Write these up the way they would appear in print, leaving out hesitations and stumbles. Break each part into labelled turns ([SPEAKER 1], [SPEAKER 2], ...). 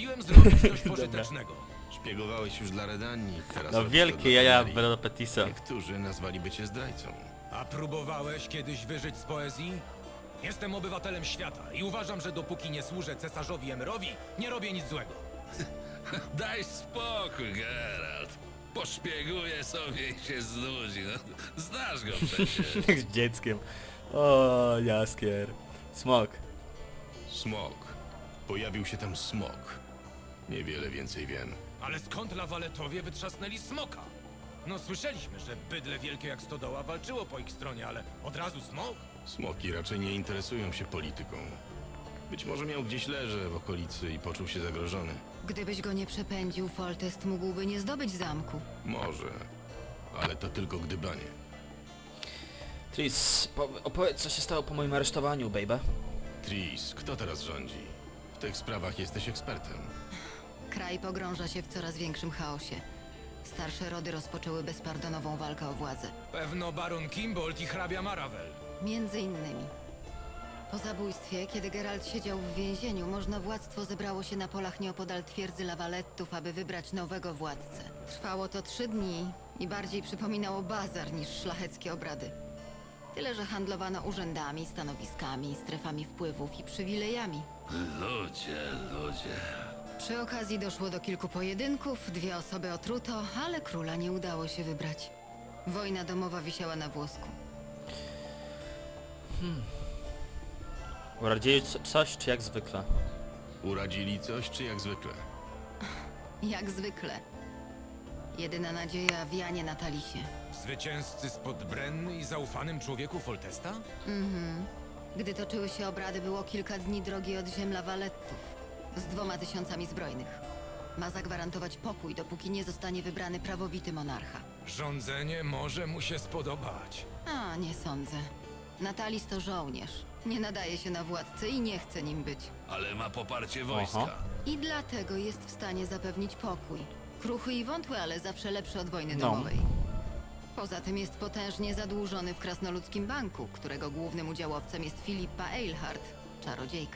[SPEAKER 1] Postanowiłem zrobić coś pożytecznego.
[SPEAKER 2] Szpiegowałeś już dla Redanii, teraz
[SPEAKER 3] No
[SPEAKER 2] robisz to
[SPEAKER 3] wielkie
[SPEAKER 2] dla
[SPEAKER 3] jaja
[SPEAKER 2] Temerii.
[SPEAKER 3] Belo Petisa.
[SPEAKER 2] Niektórzy nazwaliby cię zdrajcą.
[SPEAKER 1] A próbowałeś kiedyś wyżyć z poezji? Jestem obywatelem świata i uważam, że dopóki nie służę cesarzowi Emerowi, nie robię nic złego.
[SPEAKER 4] Daj spokój, Geralt. Poszpieguje sobie i się znudzi. No, znasz go przecież.
[SPEAKER 3] Jak z dzieckiem. O, jaskier. Smok.
[SPEAKER 2] Smok. Pojawił się tam smok. Niewiele więcej wiem.
[SPEAKER 1] Ale skąd lawaletowie wytrzasnęli smoka? No słyszeliśmy, że bydle wielkie jak stodoła walczyło po ich stronie, ale od razu smok?
[SPEAKER 2] Smoki raczej nie interesują się polityką. Być może miał gdzieś leże w okolicy i poczuł się zagrożony.
[SPEAKER 5] Gdybyś go nie przepędził, Foltest mógłby nie zdobyć zamku.
[SPEAKER 2] Może. Ale to tylko gdybanie.
[SPEAKER 3] Tris, opowiedz co się stało po moim aresztowaniu, baby.
[SPEAKER 2] Tris, kto teraz rządzi? W tych sprawach jesteś ekspertem.
[SPEAKER 5] Kraj pogrąża się w coraz większym chaosie. Starsze rody rozpoczęły bezpardonową walkę o władzę.
[SPEAKER 1] Pewno baron Kimbold i hrabia Maravel.
[SPEAKER 5] Między innymi. Po zabójstwie, kiedy Geralt siedział w więzieniu, można władztwo zebrało się na polach nieopodal twierdzy Lawalettów, aby wybrać nowego władcę. Trwało to 3 dni i bardziej przypominało bazar niż szlacheckie obrady. Tyle, że handlowano urzędami, stanowiskami, strefami wpływów i przywilejami.
[SPEAKER 4] Ludzie.
[SPEAKER 5] Przy okazji doszło do kilku pojedynków, 2 osoby otruto, ale króla nie udało się wybrać. Wojna domowa wisiała na włosku.
[SPEAKER 3] Uradzili coś, czy jak zwykle?
[SPEAKER 2] Uradzili coś, czy jak zwykle?
[SPEAKER 5] Jak zwykle. Jedyna nadzieja w Janie Natalisie.
[SPEAKER 1] Zwycięzcy spod Brenny i zaufanym człowieku Foltesta?
[SPEAKER 5] Gdy toczyły się obrady, było kilka dni drogi od ziem Lawalettów z 2000 zbrojnych. Ma zagwarantować pokój, dopóki nie zostanie wybrany prawowity monarcha.
[SPEAKER 1] Rządzenie może mu się spodobać.
[SPEAKER 5] A, nie sądzę. Natalis to żołnierz. Nie nadaje się na władcę i nie chce nim być.
[SPEAKER 4] Ale ma poparcie wojska.
[SPEAKER 3] Aha.
[SPEAKER 5] I dlatego jest w stanie zapewnić pokój. Kruchy i wątły, ale zawsze lepszy od wojny
[SPEAKER 3] No.
[SPEAKER 5] domowej. Poza tym jest potężnie zadłużony w Krasnoludzkim Banku, którego głównym udziałowcem jest Filipa Eilhart, czarodziejka.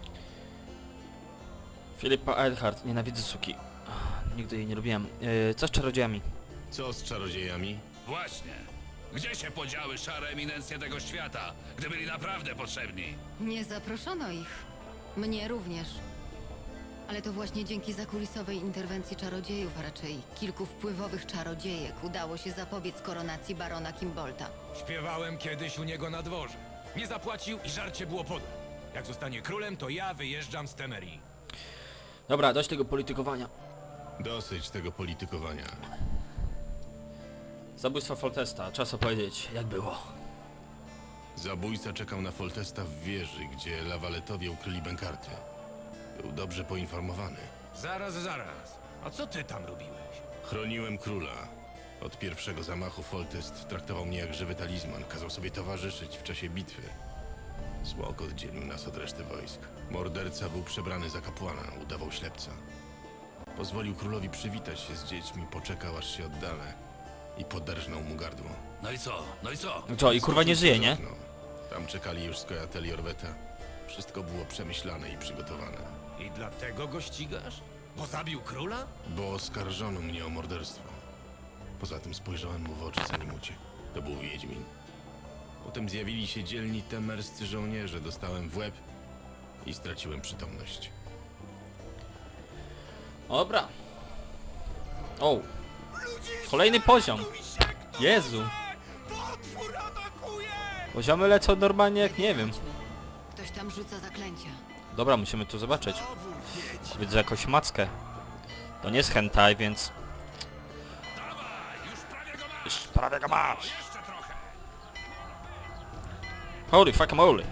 [SPEAKER 3] Filipa Eilhart, nienawidzę suki. Nigdy jej nie lubiłem. Co z czarodziejami?
[SPEAKER 2] Co z czarodziejami?
[SPEAKER 4] Właśnie. Gdzie się podziały szare eminencje tego świata, gdy byli naprawdę potrzebni?
[SPEAKER 5] Nie zaproszono ich. Mnie również. Ale to właśnie dzięki zakulisowej interwencji czarodziejów, a raczej kilku wpływowych czarodziejek, udało się zapobiec koronacji barona Kimbolta.
[SPEAKER 1] Śpiewałem kiedyś u niego na dworze. Nie zapłacił i żarcie było podłe. Jak zostanie królem, to ja wyjeżdżam z Temerii.
[SPEAKER 3] Dobra, dość tego politykowania.
[SPEAKER 2] Dosyć tego politykowania.
[SPEAKER 3] Zabójstwo Foltesta, czas opowiedzieć, jak było.
[SPEAKER 2] Zabójca czekał na Foltesta w wieży, gdzie lawaletowie ukryli bękarty. Był dobrze poinformowany.
[SPEAKER 1] Zaraz. A co ty tam robiłeś?
[SPEAKER 2] Chroniłem króla. Od pierwszego zamachu Foltest traktował mnie jak żywy talizman. Kazał sobie towarzyszyć w czasie bitwy. Smok oddzielił nas od reszty wojsk. Morderca był przebrany za kapłana, udawał ślepca. Pozwolił królowi przywitać się z dziećmi, poczekał aż się oddalę i poderżnął mu gardło.
[SPEAKER 4] No i co?
[SPEAKER 3] Co, i kurwa nie żyje, nie?
[SPEAKER 2] No, tam czekali już skojateli Orweta. Wszystko było przemyślane i przygotowane.
[SPEAKER 1] I dlatego go ścigasz? Bo zabił króla?
[SPEAKER 2] Bo oskarżono mnie o morderstwo. Poza tym spojrzałem mu w oczy, zanim uciekł. To był Wiedźmin. Potem zjawili się dzielni temerscy żołnierze, dostałem w łeb i straciłem przytomność.
[SPEAKER 3] Dobra. O. Kolejny poziom. Jezu. Poziomy lecą normalnie jak nie wiem.
[SPEAKER 5] Ktoś tam rzuca zaklęcia.
[SPEAKER 3] Dobra, musimy tu zobaczyć. Widzę jakąś mackę. To nie jest hentai, więc...
[SPEAKER 4] Dawaj, już prawie go masz!
[SPEAKER 3] Już prawie go masz.
[SPEAKER 4] Jeszcze trochę!
[SPEAKER 3] Holy fucking moly.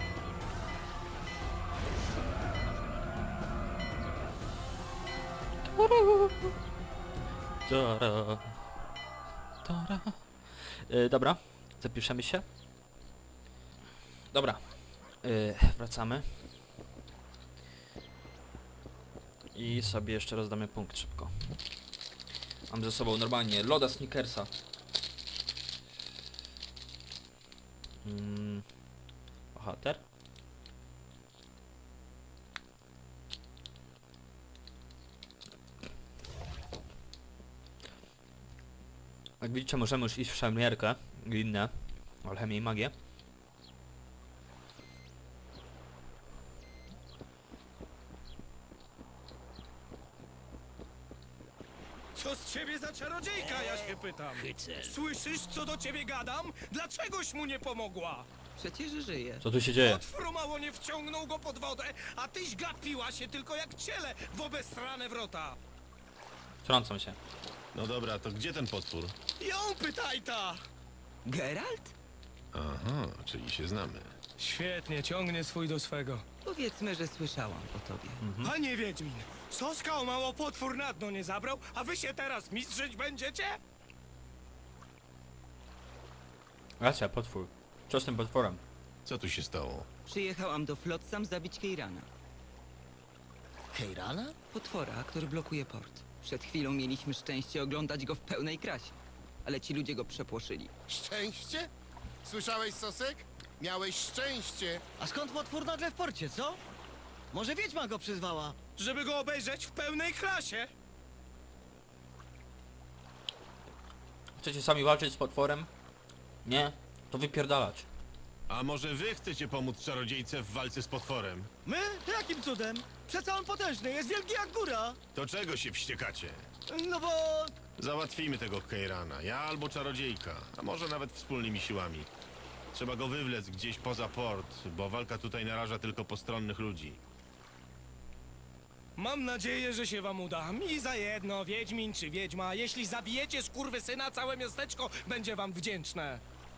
[SPEAKER 3] Tara. Tara. Dobra, zapiszemy się. Dobra, wracamy. I sobie jeszcze rozdamy punkt szybko. Mam ze sobą normalnie loda Snickersa. Bohater. Jak widzicie, możemy już iść w szermierkę i inne. Alchemię i magię.
[SPEAKER 6] Co z ciebie za czarodziejka, ja się pytam? Słyszysz, co do ciebie gadam? Dlaczegoś mu nie pomogła?
[SPEAKER 5] Przecież żyje.
[SPEAKER 3] Co tu się dzieje?
[SPEAKER 6] Potwór mało nie wciągnął go pod wodę, a tyś gapiła się tylko jak ciele w obesrane wrota.
[SPEAKER 3] Trącą się.
[SPEAKER 2] No dobra, to gdzie ten potwór?
[SPEAKER 6] Ją pytaj ta!
[SPEAKER 7] Geralt?
[SPEAKER 2] Aha, czyli się znamy.
[SPEAKER 6] Świetnie, ciągnie swój do swego.
[SPEAKER 7] Powiedzmy, że słyszałam o tobie.
[SPEAKER 6] Panie Wiedźmin, Soska o mało potwór na dno nie zabrał, a wy się teraz mistrzyć będziecie?
[SPEAKER 3] Racja, potwór. Co z tym potworem?
[SPEAKER 2] Co tu się stało?
[SPEAKER 7] Przyjechałam do Flotsam zabić Keirana.
[SPEAKER 8] Keirana?
[SPEAKER 7] Potwora, który blokuje port. Przed chwilą mieliśmy szczęście oglądać go w pełnej krasie. Ale ci ludzie go przepłoszyli.
[SPEAKER 8] Szczęście? Słyszałeś, Sosek? Miałeś szczęście.
[SPEAKER 9] A skąd potwór nagle w porcie, co? Może wiedźma go przyzwała?
[SPEAKER 6] Żeby go obejrzeć w pełnej krasie?
[SPEAKER 3] Chcecie sami walczyć z potworem? Nie? To wypierdalać.
[SPEAKER 2] A może wy chcecie pomóc czarodziejce w walce z potworem?
[SPEAKER 9] My? Jakim cudem? Przecież on potężny, jest wielki jak góra.
[SPEAKER 2] To czego się wściekacie?
[SPEAKER 9] No bo...
[SPEAKER 2] Załatwimy tego Keirana, ja albo czarodziejka, a może nawet wspólnymi siłami. Trzeba go wywlec gdzieś poza port, bo walka tutaj naraża tylko postronnych ludzi.
[SPEAKER 6] Mam nadzieję, że się wam uda. Mi za jedno, Wiedźmin czy Wiedźma. Jeśli zabijecie skurwysyna, całe miasteczko będzie wam wdzięczne.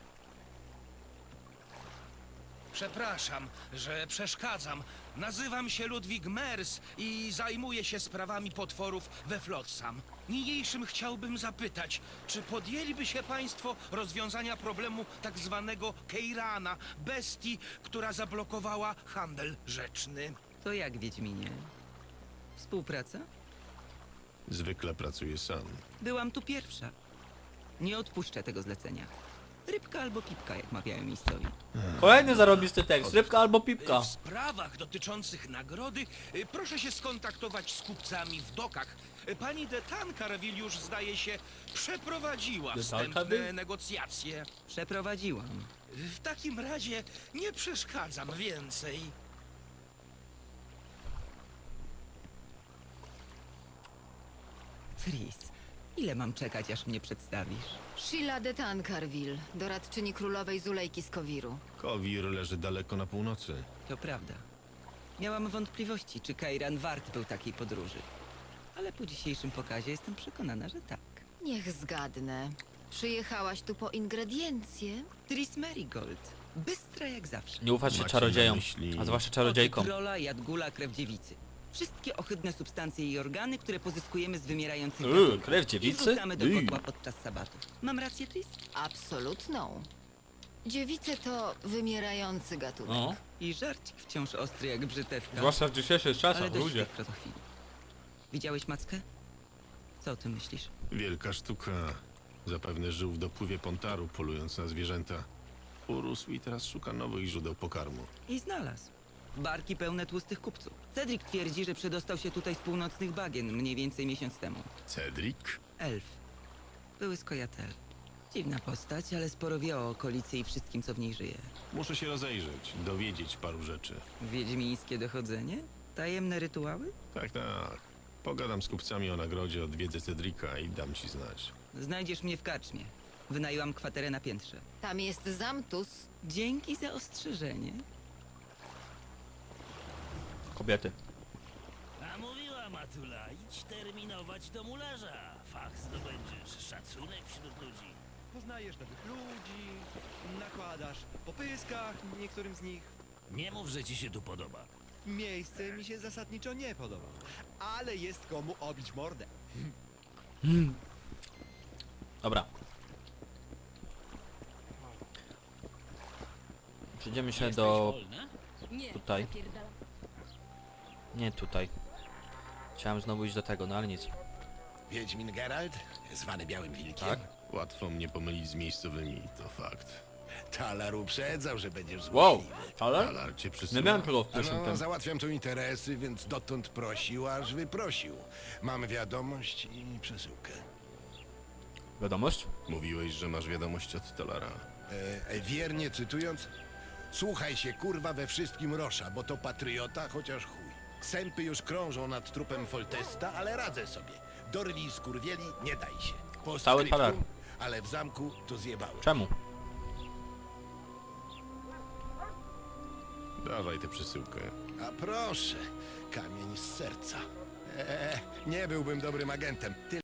[SPEAKER 10] Przepraszam, że przeszkadzam. Nazywam się Ludwig Mers i zajmuję się sprawami potworów we Flotsam. Niniejszym chciałbym zapytać, czy podjęliby się państwo rozwiązania problemu tak zwanego Keirana, bestii, która zablokowała handel rzeczny?
[SPEAKER 7] To jak, Wiedźminie? Współpraca?
[SPEAKER 2] Zwykle pracuję sam.
[SPEAKER 7] Byłam tu pierwsza. Nie odpuszczę tego zlecenia. Rybka albo pipka, jak mawiają miejscowi.
[SPEAKER 3] Kolejny zarobisty tekst. Rybka albo pipka.
[SPEAKER 10] W sprawach dotyczących nagrody proszę się skontaktować z kupcami w dokach. Pani de Tancarville już, zdaje się, przeprowadziła
[SPEAKER 3] De
[SPEAKER 10] wstępne
[SPEAKER 3] Tancarville?
[SPEAKER 10] negocjacje.
[SPEAKER 7] Przeprowadziłam.
[SPEAKER 10] W takim razie nie przeszkadzam więcej.
[SPEAKER 7] Tris, ile mam czekać, aż mnie przedstawisz?
[SPEAKER 5] Sheila de Tancarville, doradczyni królowej Zulejki z Kowiru.
[SPEAKER 2] Kowir leży daleko na północy.
[SPEAKER 7] To prawda. Miałam wątpliwości, czy Kairan wart był takiej podróży. Ale po dzisiejszym pokazie jestem przekonana, że tak.
[SPEAKER 5] Niech zgadnę. Przyjechałaś tu po ingrediencje?
[SPEAKER 7] Tris Merigold. Bystra jak zawsze.
[SPEAKER 3] Nie ufać się
[SPEAKER 2] Macie
[SPEAKER 3] czarodziejom.
[SPEAKER 2] na myśli-
[SPEAKER 3] A zwłaszcza czarodziejkom.
[SPEAKER 7] Trola, jadgula, krew dziewicy. Wszystkie ohydne substancje i organy, które pozyskujemy z wymierających
[SPEAKER 3] Uuu,
[SPEAKER 7] gatunków.
[SPEAKER 3] krew
[SPEAKER 7] I
[SPEAKER 3] dziewicy?
[SPEAKER 7] wrzucamy do
[SPEAKER 3] Uuu.
[SPEAKER 7] kotła podczas sabatu. Mam rację, Tris?
[SPEAKER 5] Absolutną. Dziewice to wymierający gatunek.
[SPEAKER 3] No.
[SPEAKER 7] I żarcik wciąż ostry jak brzytewka.
[SPEAKER 3] Zwłaszcza w dzisiejszych
[SPEAKER 7] Ale
[SPEAKER 3] czasach,
[SPEAKER 7] dość
[SPEAKER 3] ludzie.
[SPEAKER 7] tych krotochwili. Widziałeś mackę? Co o tym myślisz?
[SPEAKER 2] Wielka sztuka. Zapewne żył w dopływie Pontaru, polując na zwierzęta. Urósł i teraz szuka nowych źródeł pokarmu.
[SPEAKER 7] I znalazł. Barki pełne tłustych kupców. Cedric twierdzi, że przedostał się tutaj z północnych bagien mniej więcej miesiąc temu.
[SPEAKER 2] Cedric?
[SPEAKER 7] Elf. Były skojatel. Dziwna postać, ale sporo wie o okolicy i wszystkim, co w niej żyje.
[SPEAKER 2] Muszę się rozejrzeć, dowiedzieć paru rzeczy.
[SPEAKER 7] Wiedźmińskie dochodzenie? Tajemne rytuały?
[SPEAKER 2] Tak, tak. Pogadam z kupcami o nagrodzie, odwiedzę Cedrika i dam ci znać.
[SPEAKER 7] Znajdziesz mnie w karczmie. Wynajęłam kwaterę na piętrze.
[SPEAKER 5] Tam jest Zamtus.
[SPEAKER 7] Dzięki za ostrzeżenie.
[SPEAKER 3] Kobiety.
[SPEAKER 9] A mówiła Matula, idź terminować do mularza. Fach zdobędziesz, szacunek wśród ludzi.
[SPEAKER 6] Poznajesz nowych ludzi, nakładasz po pyskach niektórym z nich.
[SPEAKER 9] Nie mów, że ci się tu podoba.
[SPEAKER 6] Miejsce mi się zasadniczo nie podoba, ale jest komu obić mordę.
[SPEAKER 3] Dobra. Przejdziemy się do... Tutaj. Nie tutaj. Chciałem znowu iść do tego, no ale nic.
[SPEAKER 8] Wiedźmin Geralt, zwany Białym Wilkiem.
[SPEAKER 3] Tak?
[SPEAKER 2] Łatwo mnie pomylić z miejscowymi, to fakt.
[SPEAKER 8] Talar uprzedzał, że będziesz
[SPEAKER 3] Wow!
[SPEAKER 8] złośliwy.
[SPEAKER 3] Ale?
[SPEAKER 2] Talar cię
[SPEAKER 3] Nie
[SPEAKER 2] przysyła.
[SPEAKER 3] miałem tego w
[SPEAKER 8] A
[SPEAKER 3] pierwszym
[SPEAKER 8] no,
[SPEAKER 3] tym.
[SPEAKER 8] załatwiam tu interesy, więc dotąd prosił, aż wyprosił. Mam wiadomość i przesyłkę.
[SPEAKER 3] Wiadomość?
[SPEAKER 2] Mówiłeś, że masz wiadomość od Tolara.
[SPEAKER 8] Wiernie cytując, słuchaj się kurwa we wszystkim Rosza, bo to patriota, chociaż chuj. Sępy już krążą nad trupem Foltesta, ale radzę sobie. Dorwi skurwieli, nie daj się. Po
[SPEAKER 3] Cały talar.
[SPEAKER 8] ale w zamku to zjebałem.
[SPEAKER 3] Czemu?
[SPEAKER 2] Dawaj tę przesyłkę.
[SPEAKER 8] A proszę, kamień z serca. Nie byłbym dobrym agentem.